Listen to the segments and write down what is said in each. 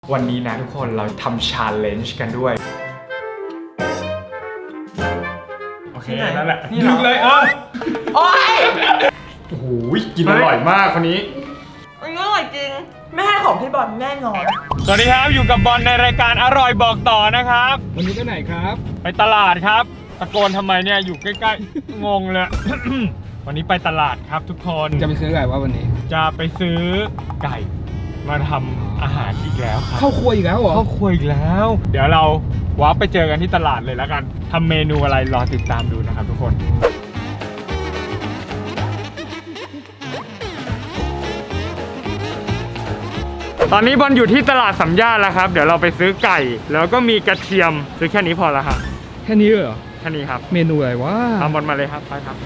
วันนี้นะทุกคนเราทำ challenge กันด้วยโอเคนั่นแหละนี่ลึกเลยโอ้ยโอ้โหกินอร่อยมากคนนี้อร่อยจริงไม่ให้ของพี่บอลแน่นอนสวัสดีครับอยู่กับบอลในรายการอร่อยบอกต่อนะครับวันนี้ไปไหนครับไปตลาดครับตะโกนทำไมเนี่ยอยู่ใกล้ๆ งงเลย วันนี้ไปตลาดครับทุกคนจะไปซื้ออะไรวะวันนี้จะไปซื้อไก่มาทำอาหารอีกแล้วครับเข้าครัวอีกแล้วเหรอเข้าครัวอีกแล้วเดี๋ยวเราว้าไปเจอกันที่ตลาดเลยแล้วกันทำเมนูอะไรรอติดตามดูนะครับทุกคนตอนนี้บอลอยู่ที่ตลาดสำย่านแล้วครับเดี๋ยวเราไปซื้อไก่แล้วก็มีกระเทียมซื้อแค่นี้พอแล้วครับแค่นี้เหรอแค่นี้ครับเมนูอะไรวะตามบอลมาเลยครับไปครับ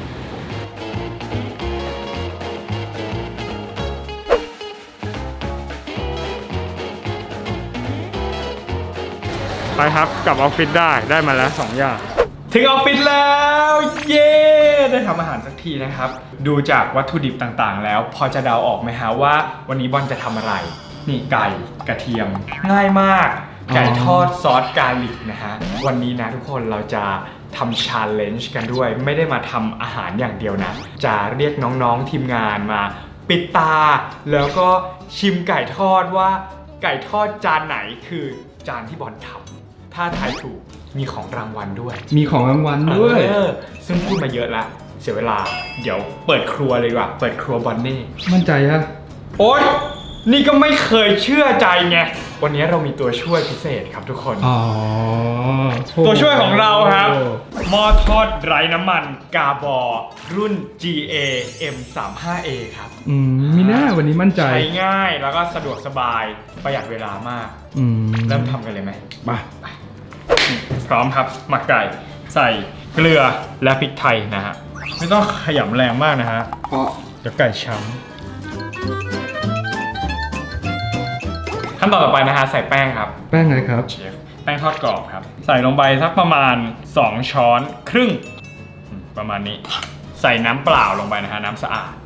ไปครับกลับออฟฟิศได้มาแล้ว2อย่างถึงออฟฟิศแล้วเย้ได้ทำอาหารสักทีนะครับดูจากวัตถุดิบต่างๆแล้วพอจะเดาออกไหมฮะว่าวันนี้บอลจะทำอะไรนี่ไก่กระเทียมง่ายมากไก่ทอดซอสกาลิกนะฮะวันนี้นะทุกคนเราจะทำ challenge กันด้วยไม่ได้มาทำอาหารอย่างเดียวนะจะเรียกน้องๆทีมงานมาปิดตาแล้วก็ชิมไก่ทอดว่าไก่ทอดจานไหนคือจานที่บอลทำถ้าทายถูกมีของรางวัลด้วยมีของรางวัลด้วยซึ่งพูดมาเยอะแล้วเสียเวลาเดี๋ยวเปิดครัวเลยดีกว่าเปิดครัวบอนเน่มั่นใจฮะโอ๊ยนี่ก็ไม่เคยเชื่อใจไงวันนี้เรามีตัวช่วยพิเศษครับทุกคนตัวช่วยของเราครับหม้อทอดไร้น้ำมันกาบอรุ่น GA M35A ครับมีหน้าวันนี้มั่นใจใช้ง่ายแล้วก็สะดวกสบายประหยัดเวลามากเริ่มทำกันเลยไหมไปพร้อมครับหมักไก่ใส่เกลือและพริกไทยนะฮะไม่ต้องขยำแรงมากนะฮะเดี๋ยวไก่ช้ำขั้นตอนต่อไปนะฮะใส่แป้งครับแป้งอะไรครับเชฟแป้งทอดกรอบครับใส่ลงไปสักประมาณ2ช้อนครึ่งประมาณนี้ใส่น้ำเปล่าลงไปนะฮะน้ำสะอาด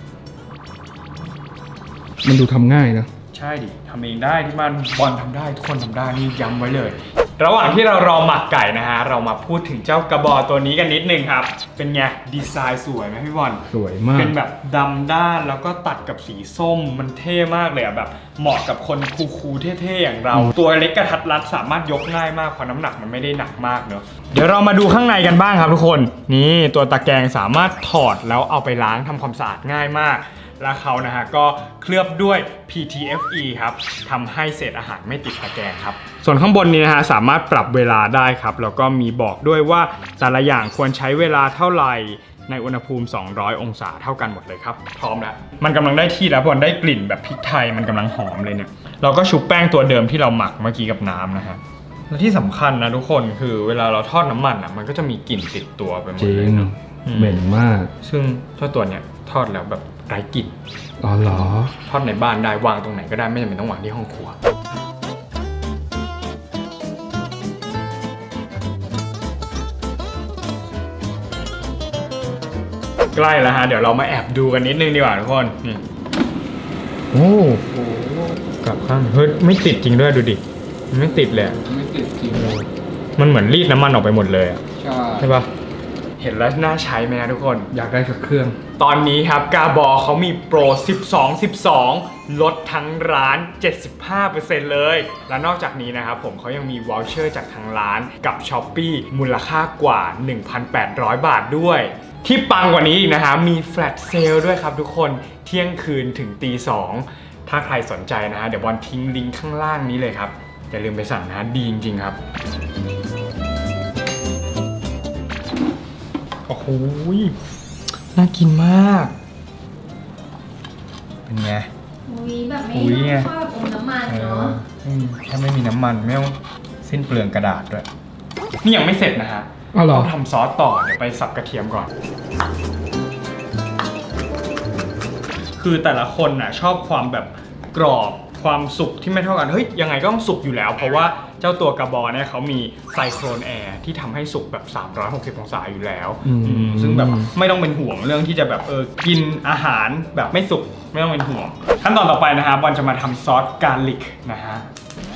มันดูทำง่ายนะใช่ดิทำเองได้ที่บ้านบอลทำได้ทุกคนทำได้นี่ย้ำไว้เลยระหว่างที่เรารอหมักไก่นะฮะเรามาพูดถึงเจ้ากระบอกตัวนี้กันนิดนึงครับเป็นไงดีไซน์สวยไหมพี่บอลสวยมากเป็นแบบดำด้านแล้วก็ตัดกับสีส้มมันเท่มากเลยอะแบบเหมาะกับคนคูลๆเท่ๆอย่างเราตัวเล็กกระทัดรัดสามารถยกง่ายมากเพราะน้ำหนักมันไม่ได้หนักมากเนอะเดี๋ยวเรามาดูข้างในกันบ้างครับทุกคนนี่ตัวตะแกรงสามารถถอดแล้วเอาไปล้างทำความสะอาดง่ายมากและเขานะฮะก็เคลือบด้วย PTFE ครับทำให้เศษอาหารไม่ติดตะแกรงครับส่วนข้างบนนี้นะฮะสามารถปรับเวลาได้ครับแล้วก็มีบอกด้วยว่าแต่ละอย่างควรใช้เวลาเท่าไหร่ในอุณหภูมิ200องศาเท่ากันหมดเลยครับพร้อมแล้วมันกำลังได้ที่แล้วพอได้กลิ่นแบบพริกไทยมันกำลังหอมเลยเนี่ยเราก็ชุบแป้งตัวเดิมที่เราหมักเมื่อกี้กับน้ำนะฮะและที่สำคัญนะทุกคนคือเวลาเราทอดน้ำมันอ่ะมันก็จะมีกลิ่นติดตัวไปหมดเลยเนาะเหม็นมากซึ่งเจ้าตัวเนี้ยทอดแล้วแบบไร้กลิ่นอ๋อเหรอทอดในบ้านได้วางตรงไหนก็ได้ไม่จำเป็นต้องวางที่ห้องครัวใกล้แล้วฮะเดี๋ยวเรามาแอบดูกันนิดนึงดีกว่าทุกคนนี่โอ้โหกลับข้างเฮ้ยไม่ติดจริงด้วยดูดิมันไม่ติดเลยไม่ติดจริงมันเหมือนรีดน้ำมันออกไปหมดเลยอ่ะใช่ปะเห็นแล้วน่าใช้ไหมนะทุกคนอยากได้สักเครื่องตอนนี้ครับกาบอเขามีโปร12 ลดทั้งร้าน 75% เลยและนอกจากนี้นะครับผมเขายังมีวอลเชอร์จากทางร้านกับ Shopee มูลค่ากว่า 1,800 บาทด้วยที่ปังกว่านี้อีกนะฮะมีแฟลชเซลด้วยครับทุกคนเที่ยงคืนถึงตี 2ถ้าใครสนใจนะฮะเดี๋ยวบอลทิ้งลิงก์ข้างล่างนี้เลยครับอย่าลืมไปสั่งนะดีจริงๆครับโอ้โหน่ากินมากเป็นไงแบบไม่ชอบอมน้ำมันเนาะถ้าไม่มีน้ำมันไม่ต้องสิ้นเปลืองกระดาษด้วยนี่ยังไม่เสร็จนะฮะต้องทำซอสต่อเดี๋ยวไปสับกระเทียมก่อนคือแต่ละคนน่ะชอบความแบบกรอบความสุกที่ไม่เท่ากันเฮ้ยยังไงก็ต้องสุกอยู่แล้วเพราะว่าเจ้าตัวกระบอกเนี่ยเขามีไซโครนแอร์ที่ทำให้สุกแบบ360องศาอยู่แล้วซึ่งแบบไม่ต้องเป็นห่วงเรื่องที่จะแบบกินอาหารแบบไม่สุกไม่ต้องเป็นห่วงขั้นตอนต่อไปนะฮะบอลจะมาทำซอสกาลิกนะฮะ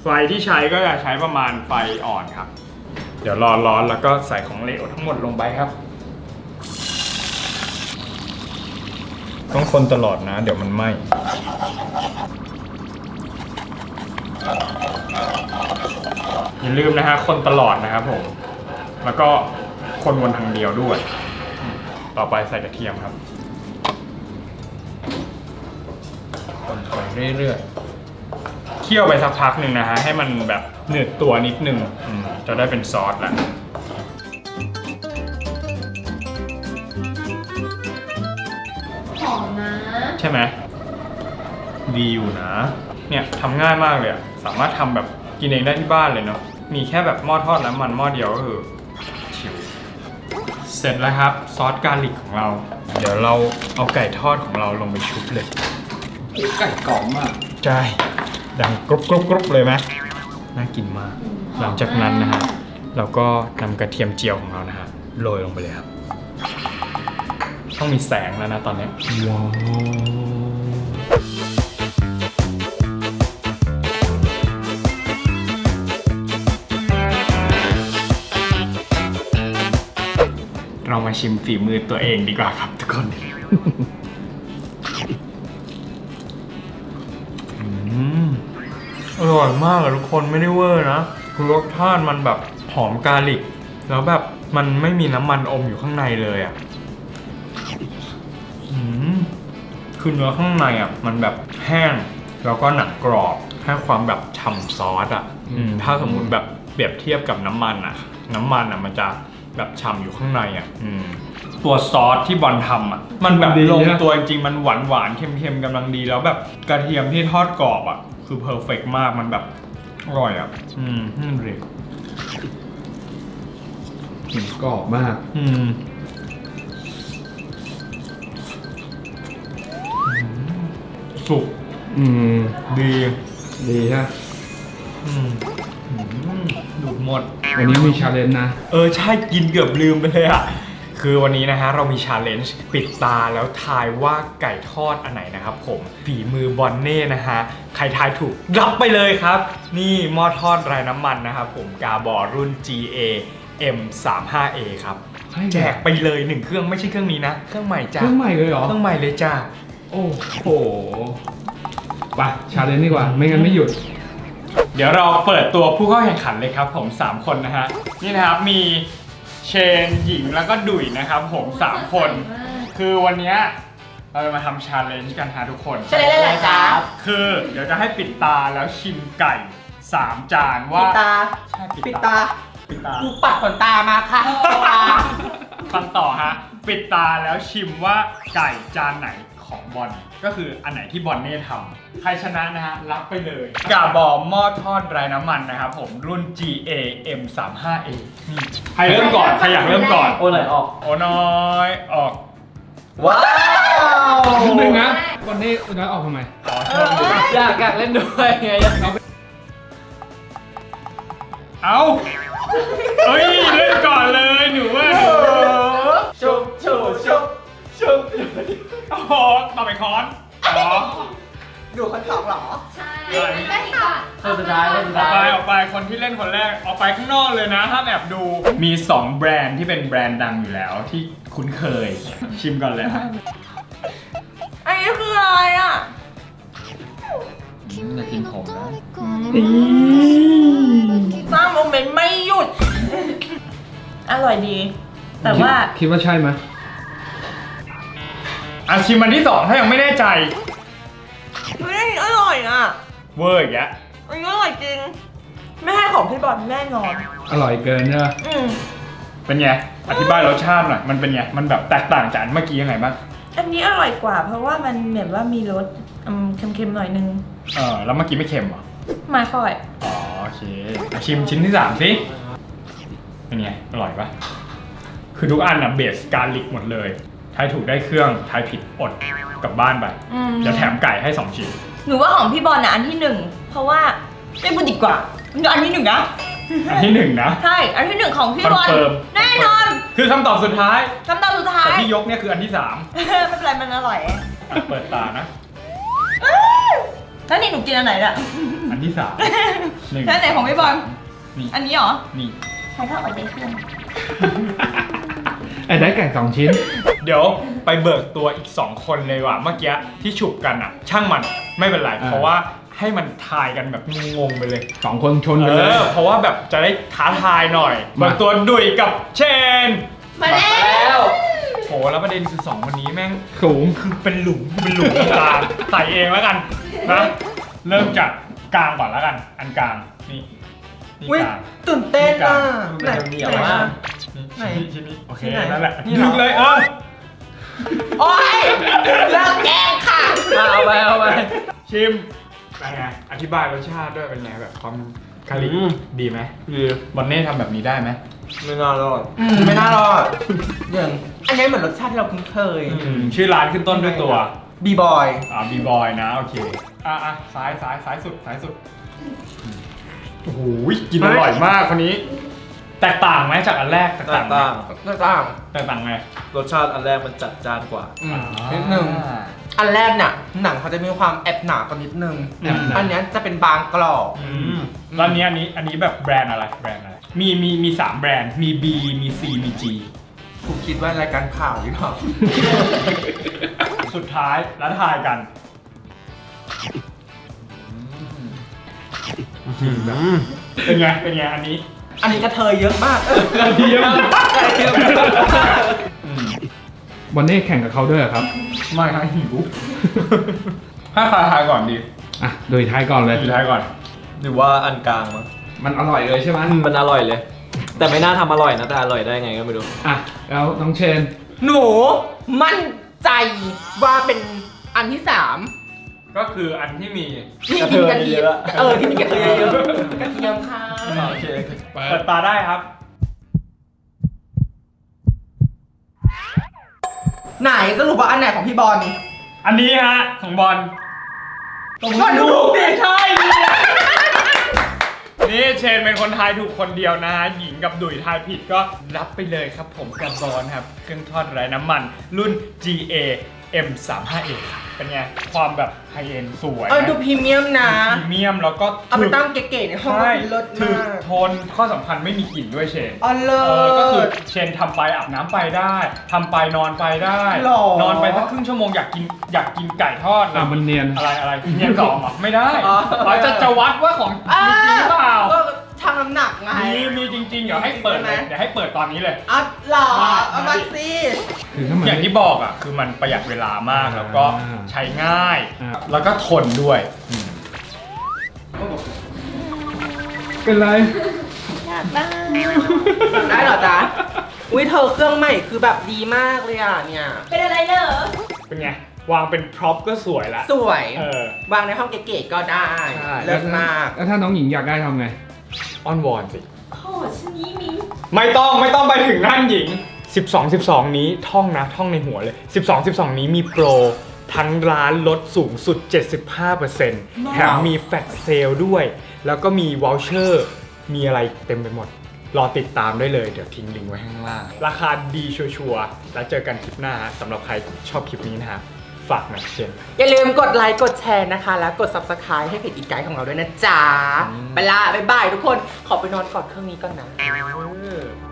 ไฟที่ใช้ก็จะใช้ประมาณไฟอ่อนครับ เดี๋ยวรอร้อนแล้วก็ใส่ของเหลวทั้งหมดลงไปครับ ต้องคนตลอดนะ เดี๋ยวมันไหม้อย่าลืมนะฮะคนตลอดนะครับผม แล้วก็คนวนทางเดียวด้วย ต่อไปใส่กระเทียมครับคนไปเรื่อยๆเคี่ยวไปสักพักหนึ่งนะฮะให้มันแบบหนืดตัวนิดนึงจะได้เป็นซอสแล้วหอมนะใช่ไหมดีอยู่นะ เนี่ยทำง่ายมากเลยอะสามารถทำแบบกินเองได้ที่บ้านเลยเนาะมีแค่แบบหม้อทอดน้ำมันหม้อเดียวก็คือชิวเสร็จแล้วครับซอสกาลิกของเรา เดี๋ยวเราเอาไก่ทอดของเราลงไปชุบเลยไก่กรอบมากใช่ดังกรุบกรุบกรุบเลยไหมน่ากินมาก หลังจากนั้นนะฮะเราก็นำกระเทียมเจียวของเรานะฮะโรยลงไปเลยครับต้องมีแสงแล้วนะตอนนี้ว้าวเรามาชิมฝีมือตัวเองดีกว่าครับทุกคนอร่อยมากอะทุกคนไม่ได้เวอร์นะคือรสชาติมันแบบหอมกาลิกแล้วแบบมันไม่มีน้ำมันอมอยู่ข้างในเลยอะคือเนื้อข้างในอะมันแบบแห้งแล้วก็หนังกรอบให้ความแบบฉ่ำซอสอะถ้าสมมุติแบบเปรียบเทียบกับน้ำมันอะมันจะแบบฉ่ำอยู่ข้างในอ่ะตัวซอสที่บอลทำอ่ะมันแบบลงตัวจริงๆมันหวานๆเค็มๆกำลังดีแล้วแบบกระเทียมที่ทอดกรอบอ่ะคือเพอร์เฟกต์มากมันแบบอร่อยอ่ะนั่นเลยกรอบมากสุกดีดีฮะดูดหมดวันนี้มีชาเลนจ์นะใช่กินเกือบลืมไปเลยอ่ะคือวันนี้นะฮะเรามีชาเลนจ์ปิดตาแล้วทายว่าไก่ทอดอันไหนนะครับผมฝีมือบอนเน่นะฮะใครทายถูกรับไปเลยครับนี่หม้อทอดไร้น้ำมันนะครับผมกาบอรุ่น GA M35A ครับแจกไปเลย1เครื่องไม่ใช่เครื่องนี้นะเครื่องใหม่จ้าเครื่องใหม่เลยเหรอเครื่องใหม่เลยจ้าโอ้โหไปชาเลนจ์ดีกว่าไม่งั้นไม่หยุดเดี๋ยวเราเปิดตัวผู้เข้าแข่งขันเลยครับผม3คนนะฮะนี่นะครับมีเชนหญิงแล้วก็ดุยนะครับผม3คนคือวันนี้เราจะมาทำชาเลนจ์กันฮะทุกคนชาเลนจ์อะไรครับคือเดี๋ยวจะให้ปิดตาแล้วชิมไก่3จานว่าปิดตาใช่ปิดตากูปัดขนตามาค่ะฟังต่อฮะปิดตาแล้วชิมว่าไก่จานไหนของบอลก็คืออันไหนที่บอลเน่ทำใครชนะนะฮะรับไปเลยกาบอหม้อทอดไร้น้ำมันนะครับผมรุ่น GA M35A นี่ใครเริ่มก่อนใครอยากเริ่มก่อนโอ้หน่อยออกโอ้น้อยออกว้าวนึงนะวันนี้น้อยออกทำไมอยากเล่นด้วยไงเอาเอ้ยเล่นก่อนเลยหนูว่าชุบโอ้โหต่อไปค้อนดูคนสองหรอใช่ไม่ค่ะคนสุดท้ายออกไปคนที่เล่นคนแรกออกไปข้างนอกเลยนะห้ามแอบดูมี2แบรนด์ที่เป็นแบรนด์ดังอยู่แล้วที่คุ้นเคยชิมก่อนเลยฮะอันนี้คืออะไรอ่ะจะกินผมนะสร้างโมเมนต์ไม่หยุดอร่อยดีแต่ว่าคิดว่าใช่ไหมชิมอันที่2ถ้ายังไม่แน่ใจเฮ้ยอร่อยอ่ะเวอร์อีกแล้วอันนี้อร่อยจริงไม่ให้ของพี่บอลแน่นอนอร่อยเกินเนี่ยเป็นไงอธิบายรสชาติหน่อยมันเป็นไงมันแบบแตกต่างจากเมื่อกี้ยังไงบ้างอันนี้อร่อยกว่าเพราะว่ามันเหมือนว่ามีรสเค็มๆหน่อยนึงแล้วเมื่อกี้ไม่เค็มเหรอไม่ค่อยโอเคชิมชิ้นที่3สิเป็นไงอร่อยปะคือทุกอันเบสการลิกหมดเลยทายถูกได้เครื่องทายผิดอดกลับบ้านไปจะแถมไก่ให้2ชิ้นหนูว่าของพี่บอลอันที่1เพราะว่าไม่พูดดีกว่าอันที่1นะอันที่1นะใช่อันที่1ของพี่บอลแน่นอนคือคำตอบสุดท้ายแต่ที่ยกเนี่ยคืออันที่3 ไม่เป็นไรมันอร่อยเปิดตานะแล้วนี่หนูกินอันไหนเนี่ยอันที่3 แล้วไหนของพี่บอลนี่อันนี้เหรอนี่ใครก็เอาไปเครื่องไอ้ได้ไก่2 ชิ้นเดี๋ยวไปเบิกตัวอีก 2 คนเลยว่ะเมื่อกี้ที่ฉุบกันอ่ะ ช่างมันไม่เป็นไรอ่าเพราะว่าให้มันทายกันแบบงงๆไปเลย 2 คนชนกันเลยเพราะว่าแบบจะได้ท้าทายหน่อยมาเบิกตัวดุยกับเชนมาแล้วโหแล้วประเด็นคือ2คนนี้แม่งสูงคือเป็นหลุมตรงกลางใส่เองแล้วกันนะเริ่มจากกลางก่อนแล้วกัน อันกลางนี่นี่อุ๊ยกลางตื่นเต้นอ่ะไหนเหนียวมาก ไหนชิ้นนี้โอเคที่ไหนนั่นแหละนี่เหรอดึงเลยโอ๊ยเลิกแกล้งค่ะเอาไปชิมเป็นไงอธิบายรสชาติด้วยเป็นไงแบบความคาลิดีไหมดีบอนเน่ทำแบบนี้ได้ไหมไม่น่ารอดไม่น่ารอดอย่างอันนี้เหมือนรสชาติที่เราคุ้นเคยชื่อร้านขึ้นต้นด้วยตัวบีบอยบีบอยนะโอเคซ้ายสุดโอ้โหกินอร่อยมากคนนี้ แตกต่างไหมจากอันแรกแตกต่างไหมต่างต่างแตกต่างไงรสชาติอันแรกมันจัดจ้านกว่านิดนึง อันแรกเนี่ยหนังเขาจะมีความแอบหนากว่านิดนึง อันเนี้ยจะเป็นบางกรอบแล้วอันนี้แบบแบรนด์อะไรมี3แบรนด์มี B มี C มี G กูคิดว่ารายการข่าวหรือเปล่าสุดท้ายแล้วทายกันเป็นไงอันนี้อันนี้กระเทยเยอะมากเยี่ยมวันนี้แข่งกับเขาด้วยเหรอครับไม่ครับหิวให้ใครทายก่อนดีอ่ะ โดยท้ายก่อนเลยสุดท้ายก่อนหรือว่าอันกลางมั้งมันอร่อยเลยใช่ไหมมันอร่อยเลย แต่ไม่น่าทำอร่อยนะ แต่อร่อยได้ไงก็ไม่รู้อ่ะ แล้วน้องเชนหนูมั่นใจว่าเป็นอันที่ก็คืออันที่มี 3ที่กินกระเทียมที่มีกระเทียมเยอะกระเทียมค่ะโอเคเปิดตาได้ครับไหนสรุปว่าอันไหนของพี่บอลอันนี้ฮะของบอลก็ถูกดิใช่นี่เชนเป็นคนทายถูกคนเดียวนะฮะหญิงกับดุยทายผิดก็รับไปเลยครับผมกับบอลครับเครื่องทอดไร้น้ำมันรุ่น GA M35A เป็นไงความแบบไฮเอ็นสวยดูพรีเมียมนะพรีเมียมแล้วก็เอาไปตั้งเก๋ๆในห้องใช่เลิศถึกมากทนข้อสำคัญไม่มีกลิ่นด้วยเชนอ๋อเลิก็คือศเชนทำไปอาบน้ำไปได้ทำไปนอนไปได้หรอนอนไปสักครึ่งชั่วโมงอยากกินไก่ทอดอ่ะ มันเนียนอะไรเนียนสองเหรอไม่ได้อ๋อเราจะวัดว่าของจริงหรือเปล่าก็ชั่งน้ำหนักไงมีจริงๆเดี๋ยวให้เปิดเลยใช่ไหมเดี๋ยวให้เปิดตอนนี้เลยอ่ะหรอมาเอามาสิคือถ้ามันอย่างที่บอกอ่ะคือมันประหยัดเวลามากแล้วก็อ่าใช้ง่ายอ่าแล้วก็ทนด้วยเป็นไรได้เหรอจ๊ะ อุ้ยเธอเครื่องใหม่คือแบบดีมากเลยอ่ะเนี่ยเป็นอะไรเหรอเป็นไงวางเป็นพร็อพก็สวยละสวยเวางในห้องเก๋ๆก็ได้ใช่เลิศมากแล้วถ้าน้องหญิงอยากได้ทำไงอ้อนวอนสิโอ้ชนี้มิ้งไม่ต้องไปถึงนั่นหญิง 12 นี้ท่องในหัวเลย 12 นี้มีโปรทั้งร้านลดสูงสุด 75%แถมมีแฟลชเซลด้วย แล้วก็มีวอลเชอร์มีอะไรเต็มไปหมด รอติดตามได้เลย เดี๋ยวทิ้งลิงก์ไว้ข้างล่าง ราคาดีชัวร์ๆแล้วเจอกันคลิปหน้าฮะสำหรับใครชอบคลิปนี้นะฮะฝากหน่อยเช่นอย่าลืมกดไลค์กดแชร์นะคะ แล้วกด subscribe ให้เพจอีกไกด์ของเราด้วยนะจ๊ะ ไปละบ๊ายบายทุกคน ขอไปนอนกอดเครื่องนี้ก่อนนะ